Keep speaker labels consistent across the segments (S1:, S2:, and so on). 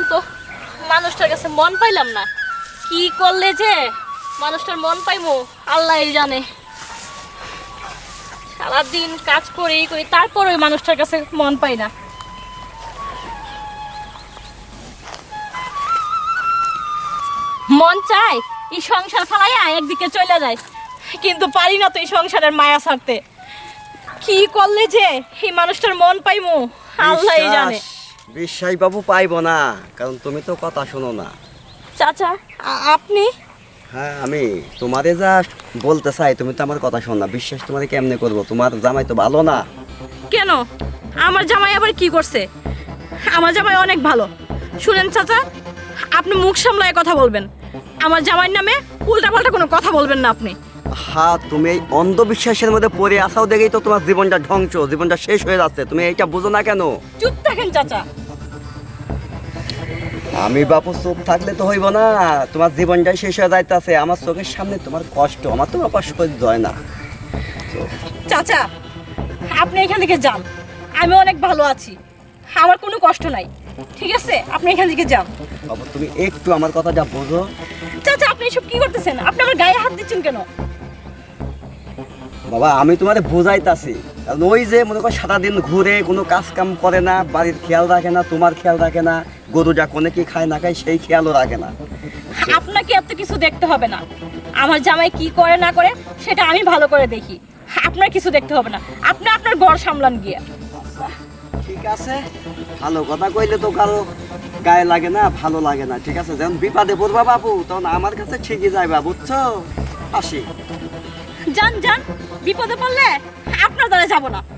S1: তো মানুষটার কাছে মন পাইলাম না। কি করলে যে মানুষটার মন পাইমো আল্লাহই জানে। সারাদিন কাজ করি তারপর ওই মানুষটার কাছে মন পাই না। মন চায় এই সংসার ফালাইয়া একদিকে চলে যায়, কিন্তু পারি না তো এই সংসারের মায়া ছাড়তে। কি করলে যে এই মানুষটার মন পাইমু আল্লাহই জানে।
S2: বিশ্বাস বাবু পাইবো না, কারণ তুমি তো কথা শোনো না।
S1: চাচা আপনি?
S2: হ্যাঁ আমি তোমারে যা বলতে চাই, তুমি তো আমার কথা শোনো না। বিশ্বাস তোমারে কেমনে করবো? তোমার জামাই তো ভালো না।
S1: কেন? আমার জামাই আবার কি করছে? আমার জামাই অনেক ভালো। শুনেন চাচা, আপনি মুখ সামলায় কথা বলবেন। আমার জামাইয়ের নামে উল্টাপাল্টা কোনো কথা বলবেন না আপনি।
S2: হ্যাঁ, তুমি এই অন্ধবিশ্বাসের মধ্যে পড়ে আসাও দেখেই তো তোমার জীবনটা ধ্বংস, জীবনটা শেষ হয়ে যাচ্ছে। তুমি এইটা বুঝো না কেন?
S1: চুপ থাকেন চাচা।
S2: আমি বাপু চুপ থাকলে তো হইব না। তোমার জীবনটাই শেষ হয়ে যাইতেছে আমার চোখের সামনে। তোমার কষ্ট, আমার তোমার কষ্ট সহ্য হয় না।
S1: চাচা আপনি এখান থেকে যান, আমি অনেক ভালো আছি, আমার কোনো কষ্ট নাই। ঠিক আছে, আপনি এখান থেকে যান।
S2: বাবু তুমি একটু আমার কথাটা বোঝো।
S1: চাচা আপনি এসব কি করতেছেন? আপনি আমার গায়ে হাত দিচ্ছেন কেন?
S2: বাবা আমি তোমারে বোঝাইতাছি, কারণ ওই যে মনে করো সারাদিন ঘুরে কোনো কাজ কাম করে না, বাড়ির খেয়াল রাখে না, তোমার খেয়াল রাখে না, গরুটা কোনে কি খায় না খায় সেই খেয়ালও রাখে না।
S1: আপনাকে এত কিছু দেখতে হবে না। আমার জামাই কি করে না করে সেটা আমি ভালো করে দেখি। আপনার কিছু দেখতে হবে না, আপনি আপনার ঘর সামলান গিয়ে।
S2: ঠিক আছে, ভালো কথা কইলে তো কারো গায়ে লাগে না, ভালো লাগে না। ঠিক আছে, যখন বিপদে পড়বা বাবু তখন আমার কাছে ঠিকই যাইবা, বুঝছো? আসি।
S1: যান যান, বিপদে পড়লে আপনার দ্বারা যাব না।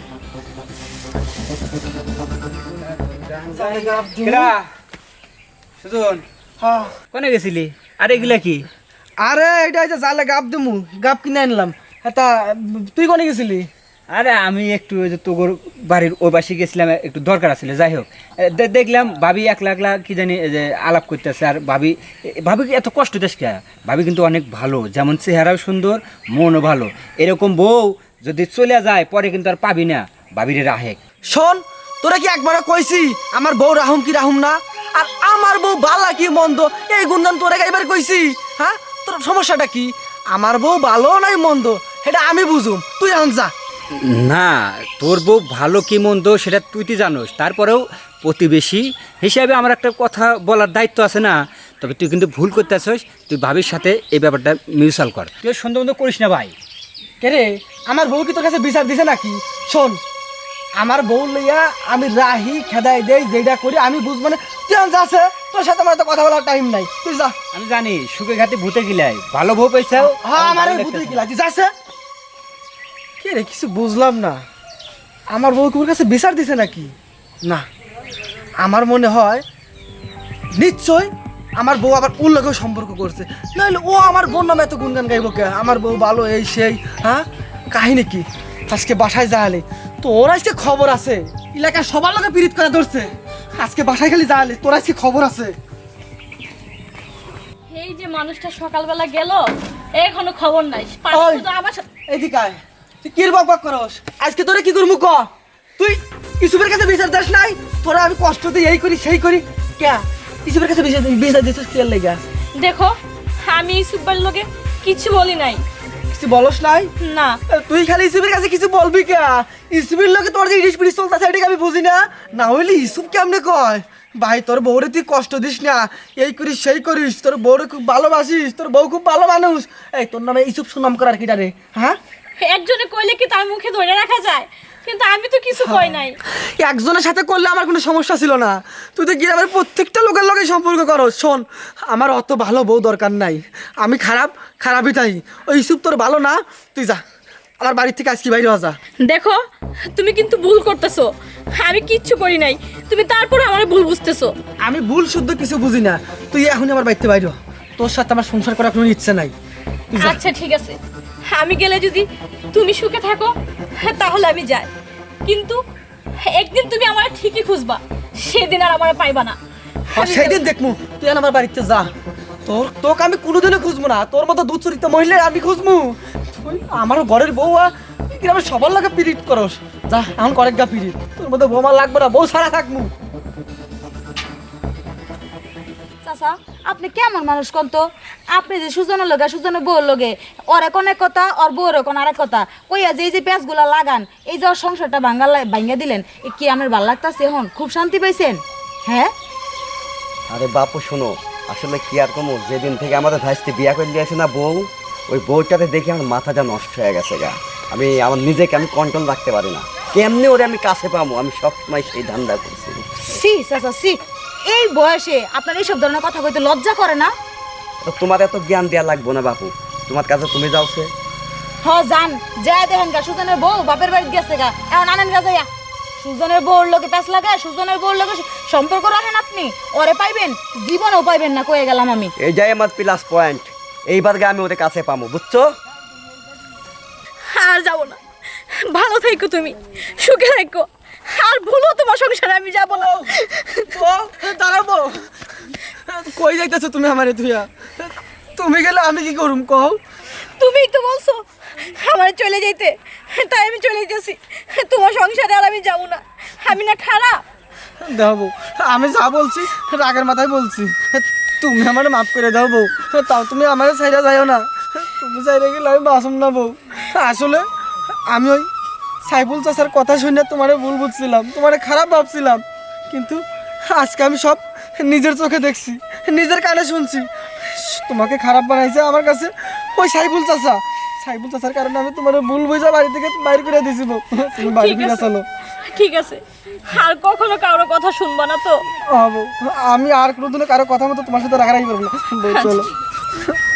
S3: সুজন কোনে গেছিলি? আর এগুলা কি?
S4: আরে এটা হচ্ছে জালে গাপ দিমু, গাপ কিনে আনলাম। তা তুই কোনে গেছিলি?
S3: আরে আমি একটু ওই যে তোর বাড়ির ওই পাশে গেছিলাম, একটু দরকার আছিল। যাই হোক, দেখলাম ভাবি একলা একলা কি জানি যে আলাপ করতেছে। আর ভাবি ভাবি এত কষ্ট দেশ কে? ভাবি কিন্তু অনেক ভালো, যেমন চেহারাও সুন্দর, মনও ভালো। এরকম বউ যদি চলে যায় পরে কিন্তু আর পাবি না। ভাবিরে রাহে।
S4: শোন, তোরা কি একবারও কইছি আমার বউ রাহুম কি রাহুম না? আর আমার বউ বালা কি মন্দ এই গুণগান তোরা এবার কইছি? হ্যাঁ, তোর সমস্যাটা কি? আমার বউ ভালো নাই মন্দ এটা আমি বুঝুম, তুই এখন যা।
S3: না, তোর বউ ভালো কি মন্দ সেটা তুই তো জানোস। তারপরেও প্রতিবেশী হিসাবে আমার একটা কথা বলার দায়িত্ব আছে না? তবে তুই কিন্তু ভুল করতে আসিস। তুই ভাবির সাথে এই ব্যাপারটা মিউচুয়াল কর। তুই সন্দেহ মন্দ করিস না ভাই।
S4: কে রে, আমার বউ কি তোর কাছে বিচার দিছে নাকি? শোন, আমার বউ লইয়া আমি রাহি খেদাই দেই, যেটা করি আমি বুঝ। মানে তুই এখন যাচ্ছে, তোর সাথে আমার তো কথা বলার টাইম নাই, তুই যা।
S3: আমি জানি সুখে ঘাতে ভূতে গিলাই, ভালো বউ পাইছাও।
S4: হ্যাঁ, আমার এই ভূতে কি লাগছে, যাচ্ছে। কে রে, কিছু বুঝলাম না। আমার বউ তোর কাছে বিচার দিছে নাকি? না, আমার মনে হয় নিশ্চয় আমার বউ আবার ওর লগেও সম্পর্ক করছে, নাহলে ও আমার বোন নামে এত গুনগান গাইব কে? আমার বউ ভালো এই সেই। হ্যাঁ, কাহিনী কি? আজকে বাসায় যাওয়ালে তোর আজকে খবর আছে, এলাকার সবার লোকে পীড়িত করে ধরছে। আজকে বাসায় খালি যাওয়ালে তোর আজকে খবর আছে।
S1: এই যে মানুষটা সকালবেলা গেল, এখনো খবর নাই।
S4: ওই,
S1: শুধু আমার সাথে
S4: এদিকে আয়। তুই কি বক বক করস? আজকে তোরা কি করবো ক? তুই ইসুফের কাছে বিচার দাস নাই? তোরা আমি কষ্ট দিই, এই করি সেই করি কে? ইসুফের কাছে বিচার দিছিস কি লেগা?
S1: দেখো, আমি সুব্বার লোকে কিছু বলি নাই।
S4: কিছু বলস নাই?
S1: না।
S4: তুই খালি ইসুফের কাছে কিছু বলবি কে? ইসুফের লোকে তোর যে ইলিশ পিলিশ চলতেছে এটাকে আমি বুঝি না। না হইলে ইসুফ কেমনে কয় ভাই তোর বউরে তুই কষ্ট দিস না, এই করিস সেই করিস, তোর বউরে খুব ভালোবাসিস, তোর বউ খুব ভালো মানুষ। এই তোর নামে ইসুফ সুনাম করার কিটা রে? হ্যাঁ,
S1: একজনে কইলে কি তার মুখে ধরে রাখা যায়? কিন্তু আমি তো কিছু কই নাই।
S4: একজনের সাথে করলে আমার কোনো সমস্যা ছিল না, তুই তো গ্রামের প্রত্যেকটা লোকের লগে সম্পর্ক করো। শোন, আমার অত ভালো বউ দরকার নাই, আমি খারাপই তাই। ওই ইসুফ তোর ভালো না, তুই যা আমার বাড়ির থেকে আজকে বাইরে যা।
S1: দেখো, তুমি কিন্তু ভুল করতেছো। আমি কিচ্ছু করি নাই, তুমি তারপরে আমার ভুল বুঝতেছো।
S4: আমি ভুল শুদ্ধ কিছু বুঝি না, তুই এখনই আমার বাড়িতে বাইরে। তোর সাথে আমার সংসার করার কোনো ইচ্ছে নাই, তুই যা।
S1: আচ্ছা ঠিক আছে, আমি গেলে যদি তুমি সুখে থাকো তাহলে আমি যাই, কিন্তু একদিন তুমি আমার ঠিকই খুঁজবা, সেদিন আর আমার পাইবা না।
S4: আর সেদিন দেখমু, তুই এখন আমার বাড়িতে যা। তোকে আমি কোনোদিনও খুঁজবো না, তোর মতো দুচরিত মহিলা আমি খুঁজবো? তুই আমার ঘরের বউ গ্রামের সবার লাগে পিরিত করস, যা এখন করেক গা পিরিত। তোর মতো বউ আমার লাগবে না, বউ সারা থাকমু।
S5: চাচা আপনি কেমন মানুষ কোন তো? আপনি যে সুজনের লগে সুজনের বউর লগে ওর এক অনেক কথা ওর বউর এক আরেক কথা কইয়া যে এই যে পেঁচগুলা লাগান এই যে ওর সংসারটা ভাঙ্গা দিলেন এ কি আমার ভাল লাগতাছে এখন খুব শান্তি পাইছেন? হ্যাঁ
S2: আরে বাপু শোনো, আসলে কি আর কমো, যেদিন থেকে আমাদের ভাইস্তি বিয়া করে দিয়েছে না বউ, ওই বউটাতে দেখে আমার মাথাটা নষ্ট হয়ে গেছে গা। আমি আমার নিজেকে আমি কন্ট্রোল রাখতে পারি না, কেমনে ওরে আমি কাছে পাবো, আমি সবসময় সেই ধান্দা করছি।
S5: সি চাচা সি, এই বয়সে আপনার এইসব ধরনের কথা কইতে লজ্জা করে না?
S2: তো তোমার এত জ্ঞান দেওয়া লাগবো না বাপু, তোমার কাছে তুমি যাওছে।
S5: হ জান যা দেখেন গা সুজনের বউ বাপের বাড়ি গেছে গা, এখন আনেন গা যাইয়া সুজনের বউর লোকে প্যাঁচ লাগায় সুজনের বউর লোকে সম্পর্ক রাখেন আপনি, ওরে পাইবেন জীবনেও পাইবেন না কয়ে গেলাম আমি।
S2: এই যাই আমার প্লাস পয়েন্ট, এইবার গে আমি ওরে কাছে পাবো, বুঝছো?
S1: আর যাবো না, ভালো থেকো তুমি, সুখে থেকো, আর ভুলো তোমার সংসারে আমি যাবো না।
S4: দাঁড়াবো, কই যাইতেছো তুমি আমারে তুইয়া? তুমি গেলে আমি কি করুম কও?
S1: তুমিই তো বলছো আমার চলে যেতে, তাই আমি চলে যেতেছি। তোমার সংসারে আর আমি যাবো না, আমি না খারাপ?
S4: দাও বউ, আমি যা বলছি রাগের মাথায় বলছি, তুমি আমার মাফ করে দাও বউ। তাও তুমি আমার সাইডে যাইও না, তুমি সাইডে গেলে আমি বাসম না বউ। আসলে আমি ওই সাইফুল চাচার কথা শুনে তোমারে ভুল বুঝছিলাম, তোমারে খারাপ ভাবছিলাম, কিন্তু আজকে আমি সব নিজের চোখে দেখছি, নিজের কানে শুনছি। তোমাকে খারাপ বানাইছে আমার কাছে ওই সাইফুল চাচা। সাইফুল চাচার কারণে আমি তোমার ভুল বুঝা বাড়ি থেকে বাইর করে দিয়েছি বউ। তুমি বাড়ি
S1: ঠিক
S4: ফিরে
S1: আছে।
S4: চলো।
S1: ঠিক আছে, আর কখনো কারো কথা শুনবা না তো?
S4: আমি আর কোনোদিনও কারো কথা মতো তোমার সাথে রাখারাখি করবো না বউ, চলো।